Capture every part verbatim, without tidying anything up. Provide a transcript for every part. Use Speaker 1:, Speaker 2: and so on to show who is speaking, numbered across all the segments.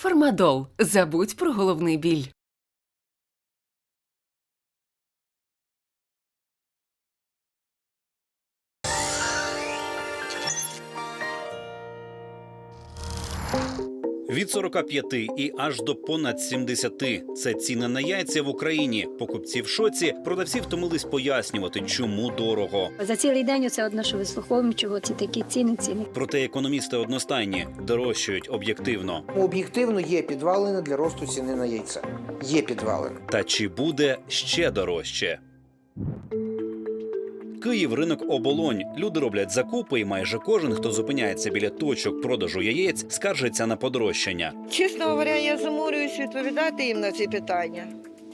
Speaker 1: Фармадол. Забудь про головний біль.
Speaker 2: Від сорока п'яти і аж до понад сімдесяти – це ціни на яйця в Україні. Покупці в шоці, продавці втомились пояснювати, чому дорого.
Speaker 3: За цілий день оце одно, що вислуховуємо, чого ці такі ціни, ціни.
Speaker 2: Проте економісти одностайні – дорожчають об'єктивно.
Speaker 4: Об'єктивно є підвалини для росту ціни на яйця. Є підвалини.
Speaker 2: Та чи буде ще дорожче? Київ – ринок оболонь. Люди роблять закупи, і майже кожен, хто зупиняється біля точок продажу яєць, скаржиться на подорожчання.
Speaker 5: Чесно говоря, я заморююсь відповідати їм на ці питання.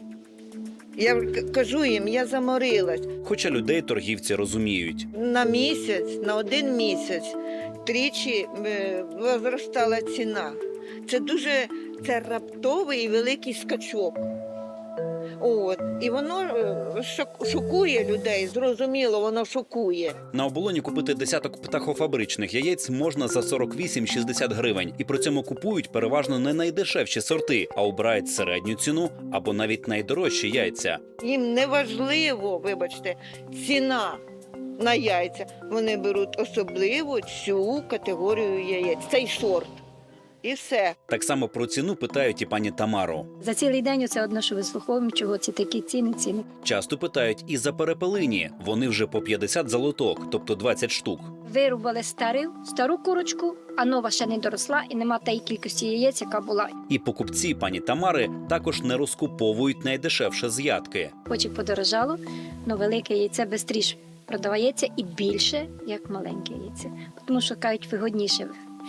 Speaker 5: Я к- кажу їм, я заморилась.
Speaker 2: Хоча людей торгівці розуміють.
Speaker 5: На місяць, на один місяць тричі е, зростала ціна. Це дуже це раптовий і великий скачок. От. І воно е, шок- шокує людей, зрозуміло, воно шокує.
Speaker 2: На оболоні купити десяток птахофабричних яєць можна за сорок вісім - шістдесят гривень. І при цьому купують переважно не найдешевші сорти, а обирають середню ціну або навіть найдорожчі яйця.
Speaker 5: Їм не важливо, вибачте, ціна на яйця. Вони беруть особливо цю категорію яєць, цей сорт. І все.
Speaker 2: Так само про ціну питають і пані Тамару.
Speaker 3: За цілий день оце одно, що вислуховуємо, чого ці такі ціни, ціни.
Speaker 2: Часто питають і за перепелині. Вони вже по п'ятдесят за лоток, тобто двадцять штук.
Speaker 3: Вирубали стару, стару курочку, а нова ще не доросла і нема тієї кількості яєць, яка була.
Speaker 2: І покупці пані Тамари також не розкуповують найдешевше з ядки.
Speaker 3: Хоч і подорожало, але велике яйце швидше продавається і більше, як маленьке яйце. Тому що, кажуть, вигодніше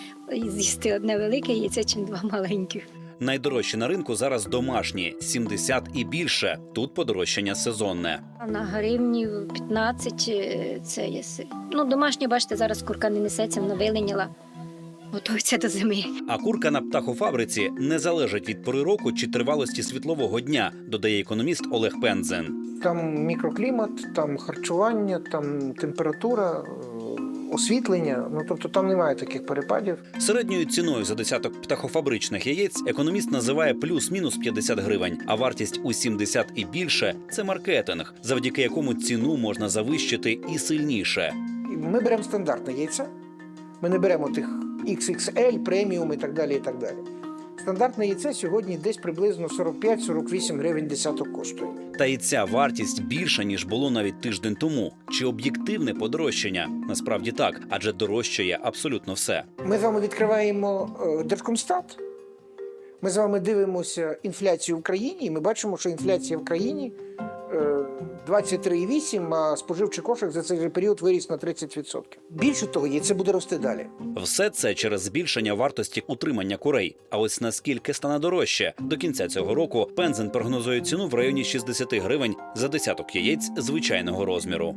Speaker 3: з'їсти одне велике яйце, чим два маленьких.
Speaker 2: Найдорожчі на ринку зараз домашні – сімдесят і більше. Тут подорожчання сезонне.
Speaker 3: А на гривні п'ятнадцять е, це є. си- Ну, домашнє, бачите, зараз курка не несеться, вона виленіла, готується до зими.
Speaker 2: А курка на птахофабриці не залежить від пори року чи тривалості світлового дня, додає економіст Олег Пензен.
Speaker 4: Там мікроклімат, там харчування, там температура, е, освітлення. Ну, тобто там немає таких перепадів.
Speaker 2: Середньою ціною за десяток птахофабричних яєць економіст називає плюс-мінус п'ятдесят гривень, а вартість у сімдесят і більше – це маркетинг, завдяки якому ціну можна завищити і сильніше.
Speaker 4: І ми беремо стандартне яйце. Ми не беремо тих ікс ікс ель, преміум і так далі, і так далі. Стандартне яйце сьогодні десь приблизно сорок п'ять - сорок вісім гривень десяток коштує.
Speaker 2: Та і ця вартість більша, ніж було навіть тиждень тому. Чи об'єктивне подорожчання? Насправді так, адже дорожчає абсолютно все.
Speaker 4: Ми з вами відкриваємо е, Держкомстат. Ми з вами дивимося інфляцію в країні, і ми бачимо, що інфляція в країні е, двадцять три цілих вісім десятих, а споживчий кошик за цей же період виріс на тридцять відсотків. Більше того, яйце буде рости далі.
Speaker 2: Все це через збільшення вартості утримання курей. А ось наскільки стане дорожче? До кінця цього року Пензен прогнозує ціну в районі шістдесят гривень за десяток яєць звичайного розміру.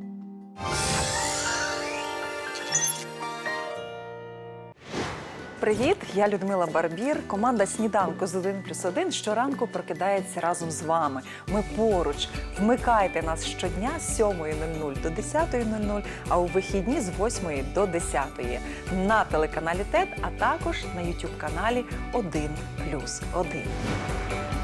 Speaker 6: Привіт, я Людмила Барбір. Команда «Сніданку з один плюс один» щоранку прокидається разом з вами. Ми поруч. Вмикайте нас щодня з сьомої нуль нуль до десятої нуль нуль, а у вихідні з восьмої до десятої. На телеканалі ТЕД, а також на ютуб-каналі один плюс один.